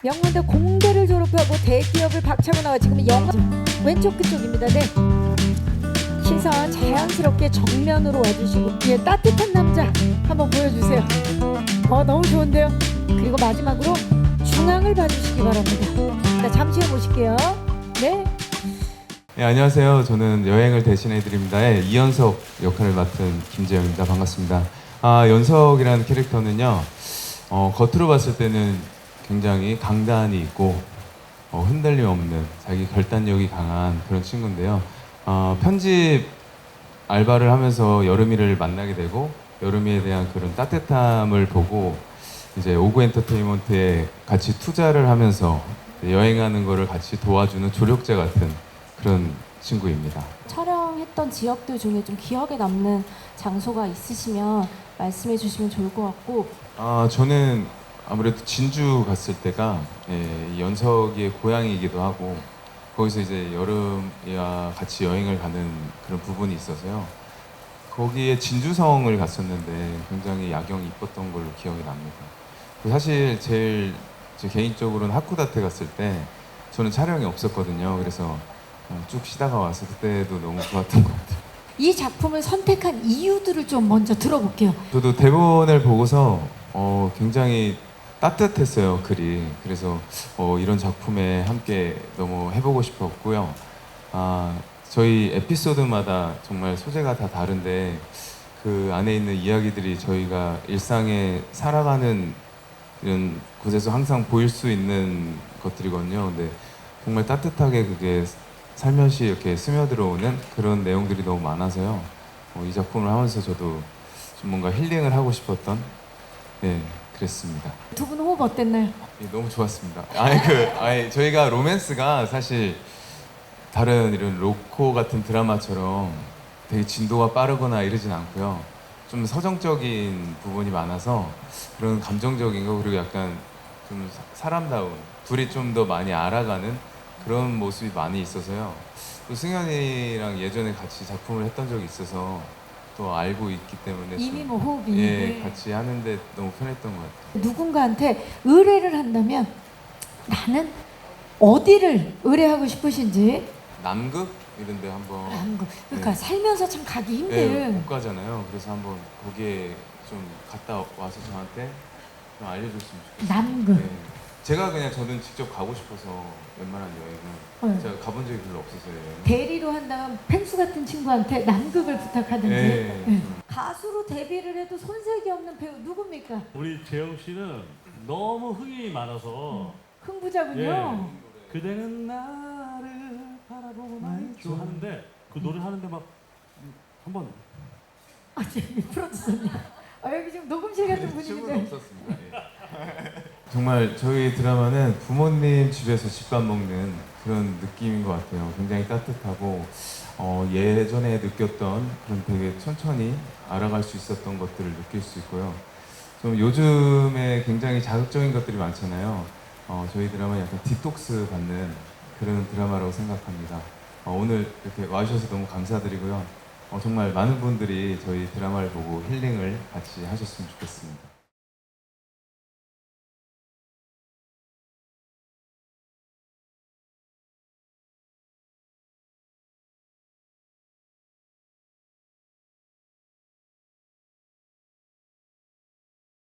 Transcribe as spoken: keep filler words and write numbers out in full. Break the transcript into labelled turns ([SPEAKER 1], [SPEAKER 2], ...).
[SPEAKER 1] 명문대 공대를 졸업하고 대기업을 박차고 나와 지금은 영화 왼쪽 그쪽입니다. 네. 시선 자연스럽게 정면으로 와주시고 예, 따뜻한 남자 한번 보여주세요. 어 너무 좋은데요. 그리고 마지막으로 중앙을 봐주시기 바랍니다. 자, 잠시 후에 모실게요. 네.
[SPEAKER 2] 네, 안녕하세요. 저는 여행을 대신해 드립니다의 이연석 역할을 맡은 김재영입니다. 반갑습니다. 아, 연석이라는 캐릭터는요, 어, 겉으로 봤을 때는 굉장히 강단이 있고 어, 흔들림 없는 자기 결단력이 강한 그런 친구인데요. 어, 편집 알바를 하면서 여름이를 만나게 되고 여름이에 대한 그런 따뜻함을 보고 이제 오구 엔터테인먼트에 같이 투자를 하면서 여행하는 거를 같이 도와주는 조력자 같은 그런 친구입니다.
[SPEAKER 3] 촬영했던 지역들 중에 좀 기억에 남는 장소가 있으시면 말씀해 주시면 좋을 것 같고.
[SPEAKER 2] 아, 저는 아무래도 진주 갔을 때가 예, 이 연석이의 고향이기도 하고 거기서 이제 여름이와 같이 여행을 가는 그런 부분이 있어서요. 거기에 진주성을 갔었는데 굉장히 야경이 이뻤던 걸로 기억이 납니다. 사실 제일 제 개인적으로는 하쿠다테 갔을 때 저는 촬영이 없었거든요. 그래서 쭉 쉬다가 와서 그때도 너무 좋았던 것 같아요.
[SPEAKER 1] 이 작품을 선택한 이유들을 좀 먼저 들어볼게요.
[SPEAKER 2] 저도 대본을 보고서 어, 굉장히 따뜻했어요, 글이. 그래서 어, 이런 작품에 함께 너무 해보고 싶었고요. 아, 저희 에피소드마다 정말 소재가 다 다른데 그 안에 있는 이야기들이 저희가 일상에 살아가는 이런 곳에서 항상 보일 수 있는 것들이거든요. 근데 정말 따뜻하게 그게 살며시 이렇게 스며들어오는 그런 내용들이 너무 많아서요. 어, 이 작품을 하면서 저도 좀 뭔가 힐링을 하고 싶었던 네, 그랬습니다.
[SPEAKER 1] 두 분 호흡 어땠나요?
[SPEAKER 2] 예, 너무 좋았습니다. 아니 그 아니 저희가 로맨스가 사실 다른 이런 로코 같은 드라마처럼 되게 진도가 빠르거나 이러진 않고요. 좀 서정적인 부분이 많아서 그런 감정적인 거 그리고 약간 좀 사- 사람다운 둘이 좀 더 많이 알아가는 그런 모습이 많이 있어서요. 또 승현이랑 예전에 같이 작품을 했던 적이 있어서 또 알고 있기 때문에
[SPEAKER 1] 이미
[SPEAKER 2] 좀,
[SPEAKER 1] 뭐 호흡이
[SPEAKER 2] 예,
[SPEAKER 1] 네.
[SPEAKER 2] 같이 하는데 너무 편했던 것 같아요.
[SPEAKER 1] 누군가한테 의뢰를 한다면 나는 어디를 의뢰하고 싶으신지.
[SPEAKER 2] 남극 이런 데 한번
[SPEAKER 1] 남극. 그러니까
[SPEAKER 2] 네.
[SPEAKER 1] 살면서 참 가기
[SPEAKER 2] 예,
[SPEAKER 1] 힘든.
[SPEAKER 2] 못 가잖아요. 그래서 한번 거기에 좀 갔다 와서 저한테 좀 알려줬으면 좋겠어요.
[SPEAKER 1] 남극.
[SPEAKER 2] 네. 제가 그냥 저는 직접 가고 싶어서 웬만한 여행은
[SPEAKER 1] 어.
[SPEAKER 2] 제가 가본 적이 별로 없어서요.
[SPEAKER 1] 대리로 한다면 펭수 같은 친구한테 남극을 부탁하든지.
[SPEAKER 2] 예,
[SPEAKER 1] 네.
[SPEAKER 2] 좀.
[SPEAKER 1] 가수로 데뷔를 해도 손색이 없는 배우 누굽니까?
[SPEAKER 4] 우리 재영 씨는 너무 흥이 많아서
[SPEAKER 1] 흥부자군요.
[SPEAKER 4] 그대는 나를 바라보고만 있죠 하는데 그 노래 하는데 막 한번
[SPEAKER 1] 아, 저기 프로듀서님. 아, 여기 지금 녹음실 같은
[SPEAKER 2] 춤은
[SPEAKER 1] 분위기인데.
[SPEAKER 2] 없었습니다. 예. 정말 저희 드라마는 부모님 집에서 집밥 먹는 그런 느낌인 것 같아요. 굉장히 따뜻하고 어, 예전에 느꼈던 그런 되게 천천히 알아갈 수 있었던 것들을 느낄 수 있고요. 좀 요즘에 굉장히 자극적인 것들이 많잖아요. 어, 저희 드라마는 약간 디톡스 받는 그런 드라마라고 생각합니다. 어, 오늘 이렇게 와주셔서 너무 감사드리고요. 어, 정말 많은 분들이 저희 드라마를 보고 힐링을 같이 하셨으면 좋겠습니다.